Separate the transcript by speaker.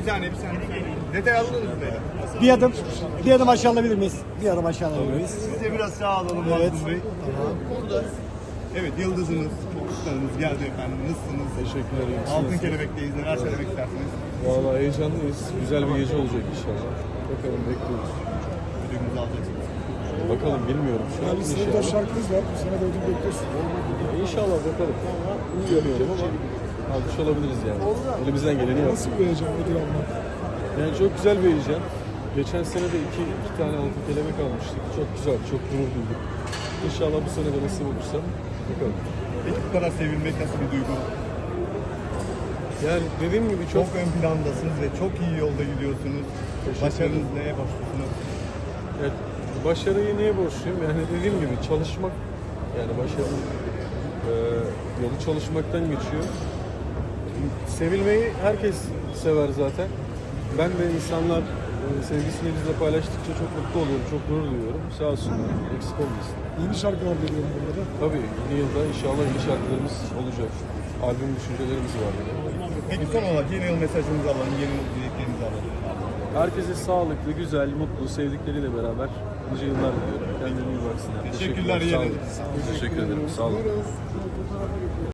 Speaker 1: saniye. Detay alınır mı böyle?
Speaker 2: Bir adım aşağı alabilir miyiz? Bir adım aşağı alabilir miyiz?
Speaker 1: Siz de biraz sağ alalım
Speaker 2: Evet.
Speaker 1: Mazlum Bey. Evet, yıldızınız, çocuklarınız geldi efendim. Nasılsınız?
Speaker 3: Teşekkür ederim.
Speaker 1: Altın Kelebek'teyiz. Neler söylemek istersiniz?
Speaker 3: Valla heyecanlıyız. Güzel bir gece olacak inşallah. Bakalım bekliyoruz.
Speaker 1: Ödülümüzü alacaksınız.
Speaker 3: Bakalım bilmiyorum şu an
Speaker 4: Yani sizin de
Speaker 3: inşallah.
Speaker 4: şarkınız var. Bu sene de ödül bekliyorsunuz.
Speaker 3: İnşallah bakalım. Bilmiyorum ama almış olabiliriz yani. Elimizden geleni yaptık.
Speaker 4: Nasıl bir heyecan ödül almak?
Speaker 3: Yani çok güzel bir heyecan. Geçen sene de iki tane altın kelebek almıştık. Çok güzel, çok gurur duyduk. İnşallah bu sene de nasip olursa bakalım.
Speaker 1: Peki bu kadar sevilmek nasıl bir duygu?
Speaker 3: Yani dediğim gibi
Speaker 1: Çok ön plandasınız ve çok iyi yolda gidiyorsunuz.
Speaker 3: Teşekkür
Speaker 1: Başarınız neye borçlusunuz?
Speaker 3: evet, başarıyı niye borçluyum? Yani dediğim gibi çalışmak, yani başarının yolu çalışmaktan geçiyor. Sevilmeyi herkes sever zaten. Ben de insanlar sevgisini bizle paylaştıkça çok mutlu oluyorum, çok gurur duyuyorum. Sağ olsunlar, eksik olmasın.
Speaker 4: Yeni şarkılar geliyor burada.
Speaker 3: Tabii yeni yılda inşallah yeni şarkılarımız olacak. Albüm düşüncelerimiz var yine.
Speaker 1: Peki son olarak yeni yıl mesajınızı alalım, yeni yıl dileklerinizi alalım.
Speaker 3: Herkese sağlıklı, güzel, mutlu, sevdikleriyle beraber nice yıllar diliyorum. Kendine iyi baksınlar.
Speaker 1: Teşekkürler,
Speaker 3: Sağ olun.
Speaker 1: iyi
Speaker 3: Teşekkür ederim. Sağ olun.